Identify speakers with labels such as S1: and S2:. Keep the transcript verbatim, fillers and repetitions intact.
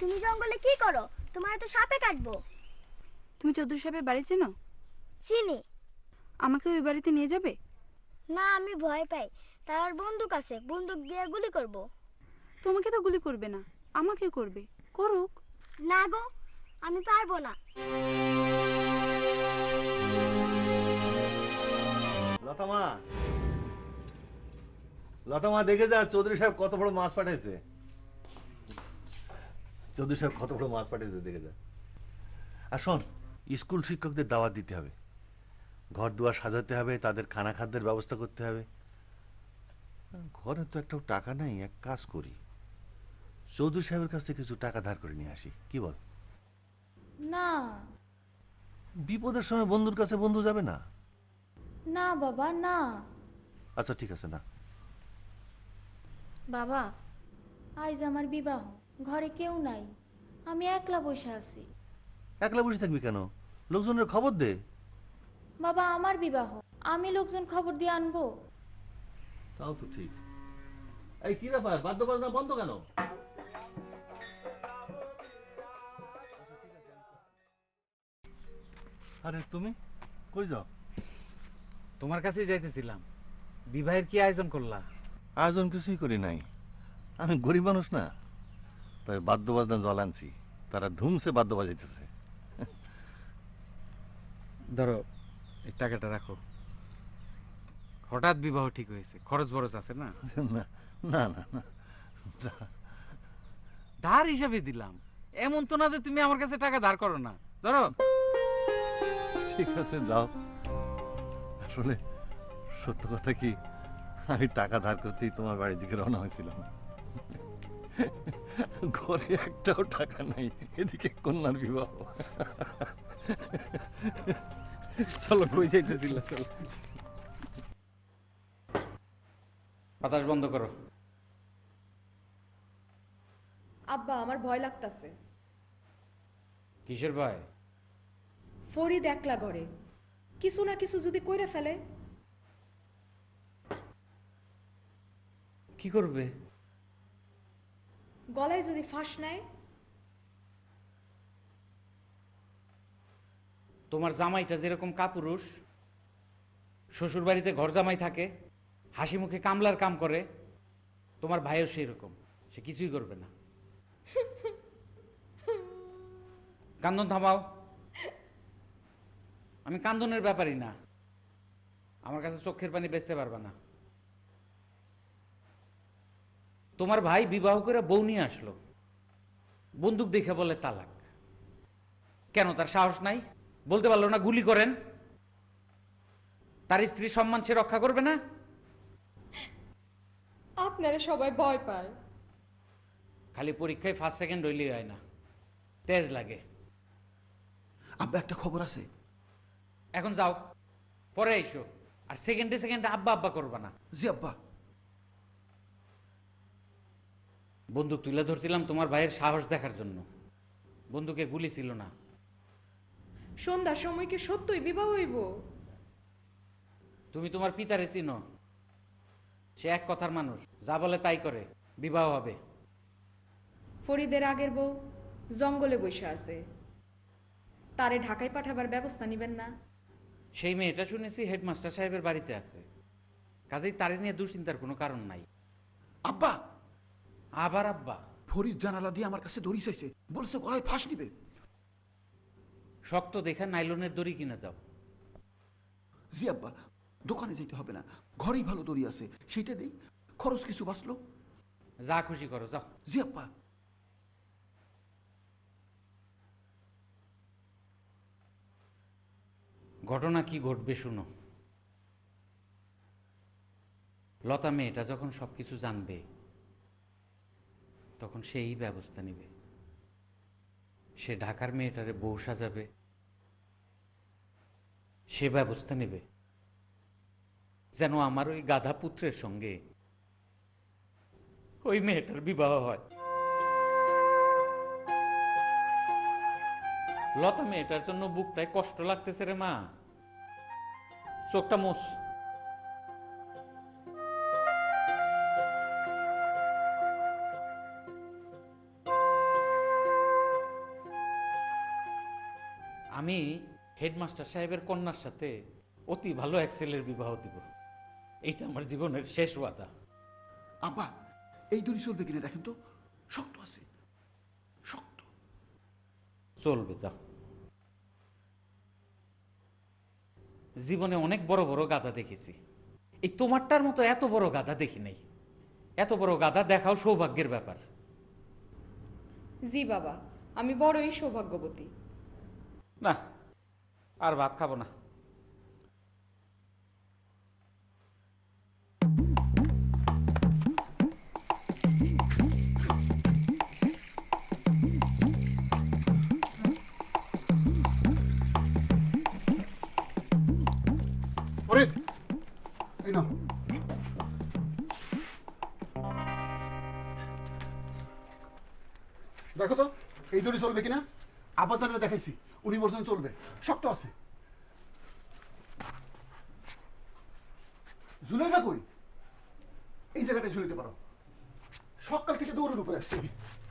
S1: তুমি জঙ্গলে কি করো? তোমার তো সাপে কাটবো।
S2: তুমি চৌধুরী সাহেবের বাড়ি চেনো?
S1: চিনি।
S2: আমাকে ওই বাড়িতে নিয়ে যাবে?
S1: না, আমি ভয় পাই। তার বন্দুক আছে, বন্দুক দিয়ে গুলি করব।
S2: তোমাকে তো গুলি করবে না, আমাকে করবে। করুক।
S1: না গো, আমি পারবো না।
S3: লতামা, লতামা দেখে যা চৌধুরী সাহেব কত বড় মাছ পাঠাইছে। চৌধুরী সাহেব কত বড় মাছ পাঠিয়েছে দেখে যা। আর শোন, স্কুল শিক্ষকদের দাওয়াত দিতে হবে, ঘর দুয়ার সাজাতে হবে, তাদের খানা খাদ্যের ব্যবস্থা করতে হবে। ঘরে তো একটাও টাকা নাই, এক কাজ করি, চৌধুরী সাহেবের কাছ থেকে কিছু টাকা ধার করে নিয়ে আসি, কি বল?
S4: না
S3: বিপদের সময় বন্ধুর কাছে বন্ধু যাবে না?
S4: না বাবা না।
S3: আচ্ছা ঠিক আছে, না।
S4: বাবা, আজ আমার বিবাহ, ঘরে কেউ নাই, আমি একলা বসে আছি।
S3: একলা বসে থাকবি কেন? লোকজনের খবর দে।
S4: বাবা, আমার বিবাহ, আমি লোকজন খবর দিয়ে আনবো?
S3: তাও তো ঠিক। এই কি ব্যাপার, বাদ্য বাজনা বন্ধ কেন? আরে তুমি কই যাও?
S5: তোমার কাছেই যাইতেছিলাম। বিবাহের কি আয়োজন করলা?
S3: আয়োজন কিছুই করি নাই, আমি গরিব মানুষ না, তাই বাদ্য বাজনা জল আনছি, তারা ধুমসে বাদ্য বাজাইতেছে।
S5: ধরো, এই টাকাটা রাখো। হঠাৎ বিবাহ ঠিক হয়েছে, খরচ বরচ আছে না।
S3: না না না না,
S5: ধার হিসাবে দিলাম, এমন তো না যে তুমি আমার কাছে টাকা ধার করো না। ধরো।
S3: ঠিক আছে যাও। আসলে সত্য কথা কি, আমি টাকা ধার করতেই তোমার বাড়ির দিকে রওনা হয়েছিলাম। ঘরে একটাও টাকা নাই, এদিকে কন্যার বিবাহ।
S5: চলো, কই যাইতেছিল? চলো। বাতাস বন্ধ করো।
S6: আব্বা, আমার ভয় লাগতাছে।
S5: কিসের ভয়?
S6: ফরিদ একলা ঘরে, কিছু না কিছু যদি কইরা ফেলে।
S5: কি করবে?
S6: গলায় যদি ফাঁস নেয়।
S5: তোমার জামাইটা যেরকম কাপুরুষ, শ্বশুর বাড়িতে ঘর জামাই থাকে, হাসি মুখে কামলার কাম করে, তোমার ভাইও সেই রকম, সে কিছুই করবে না। কান্দন থামাও। আমি কান্দনের ব্যাপারই না, আমার কাছে চোখের পানি বেচতে পারবা না। তোমার ভাই বিবাহ করে বউ নিয়ে আসলো, বন্দুক দেখে বলে তালাক। কেন, তার সাহস নাই? বলতে পারলো না গুলি করেন? তার স্ত্রী সম্মান সে রক্ষা করবে না?
S6: আপনারা সবাই ভয় পায়।
S5: খালি পরীক্ষায় ফার্স্ট সেকেন্ড হইলেই হয় না, তেজ লাগে।
S7: আব্বা, একটা খবর আছে।
S5: এখন যাও, পরে এসো, আর সেকেন্ডে সেকেন্ডে আব্বা আব্বা করবা না।
S7: জি আব্বা।
S5: বন্দুক তুলে ধরছিলাম তোমার ভাইয়ের সাহস দেখার জন্য, বন্দুকে গুলি ছিল না।
S6: সন্ধ্যার সময় কি সত্যই বিবাহ হইব?
S5: তুমি তোমার পিতারে চিনো, সে এক কথার মানুষ, যা বলে তাই করে। বিবাহ হবে।
S6: ফরিদের আগের বউ জঙ্গলে বসে আছে, তারে ঢাকায় পাঠাবার ব্যবস্থা নিবেন না?
S5: সেই মেয়েটা শুনেছি হেডমাস্টার সাহেবের বাড়িতে আছে, কাজেই তারে নিয়ে দুশ্চিন্তার কোনো কারণ নাই।
S7: আব্বা,
S5: আবার আব্বা?
S7: ফরিদ জানালা দিয়ে আমার কাছে দড়ি চাইছে, বলছে গলায় ফাঁস নিবে।
S5: শক্ত দেখা নাইলনের দড়ি কিনে দাও।
S7: জি আব্বা, দোকানে যেতে হবে না, ঘরেই ভালো দড়ি আছে, সেইটা দেই, খরচ কিছু বাঁচলো।
S5: যা খুশি করো, যাও।
S7: জি আব্বা।
S5: ঘটনা কি ঘটবে শুনো। লতা মেয়েটা যখন সবকিছু জানবে, তখন সেই ব্যবস্থা নেবে। সে ঢাকার মেয়েটারে বউ সাজাবে, সে ব্যবস্থা নেবে যেন আমার ওই গাধা পুত্রের সঙ্গে ওই মেয়েটার বিবাহ হয়। লতা মেয়েটার জন্য বুকটায় কষ্ট লাগতেছে রে মা, চোখটা মোস। আমি হেডমাস্টার সাহেবের কন্যার সাথে অতি ভালো এক ছেলের বিবাহ দিব। এইটা আমার জীবনের শেষ ওয়াদা।
S7: আব্বা এই দড়ি চলবে কিনা দেখেন তো, শক্ত আছে, শক্ত।
S5: চলবে, যাও। জীবনে অনেক বড় বড় গাধা দেখেছি, এই তোমারটার মতো এত বড় গাধা দেখি নাই। এত বড় গাধা দেখাও সৌভাগ্যের ব্যাপার।
S6: জি বাবা, আমি বড়ই সৌভাগ্যবতী।
S5: না, আর ভাত খাবো না।
S7: ফরিদ, এই নাও। দেখো তো এই দড়ি চলবে কিনা। আপাতত দেখাইছি, উনি বলছেন চলবে, শক্ত আছে। ঝুলে কই? এই জায়গাটায় ঝুলিতে পারো। সকাল থেকে দৌড়ের উপরে আসছে।